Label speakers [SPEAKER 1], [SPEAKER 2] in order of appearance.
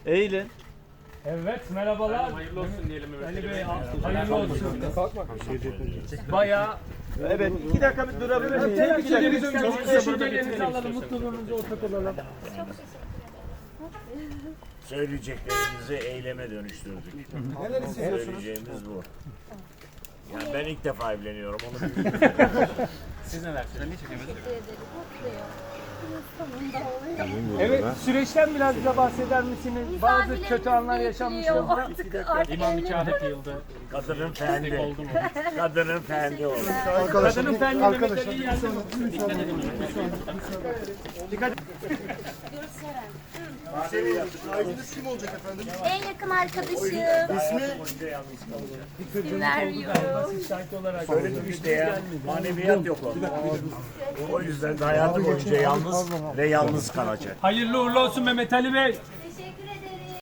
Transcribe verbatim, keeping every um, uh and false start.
[SPEAKER 1] Eğilin.
[SPEAKER 2] Evet, merhabalar.
[SPEAKER 3] Hayırlı olsun diyelim Mehmet
[SPEAKER 2] Ali
[SPEAKER 3] Ali
[SPEAKER 2] Bey,
[SPEAKER 3] Bey.
[SPEAKER 2] hayırlı olsun. Bayağı
[SPEAKER 1] Evet, iki dakika bir durabilir miyiz? İki dakika.
[SPEAKER 2] çok düşüncelerinizi alalım, mutluluğunuza ortak olalım.
[SPEAKER 4] Söyleyeceklerimizi eyleme dönüştürdük. Neler Söyleyeceğimiz bu. Yani ben ilk defa evleniyorum, onu bilmiyorum.
[SPEAKER 3] Siz neler? Sen niye çekemedin?
[SPEAKER 2] Evet, süreçten biraz bize bahseder misiniz? Bazı kötü anlar yaşanmıştır.
[SPEAKER 5] Artık, artık
[SPEAKER 3] İmam nikahı kıyıldı.
[SPEAKER 4] Kadının fendi.
[SPEAKER 3] Oldu mu?
[SPEAKER 4] Kadının fendi oldu.
[SPEAKER 2] Kadının fendi Mehmet Ali'yi yendi mi?
[SPEAKER 6] Aileniz kim olacak efendim?
[SPEAKER 5] en yakın arkadaşım.
[SPEAKER 6] İsmi?
[SPEAKER 5] İsim vermiyorum.
[SPEAKER 2] Şahit olarak.
[SPEAKER 4] Söyledim işte ya, maneviyat yok orada. O yüzden de hayatı boyunca yalnız ve yalnız kalacak.
[SPEAKER 2] Hayırlı uğurlu olsun Mehmet Ali Bey.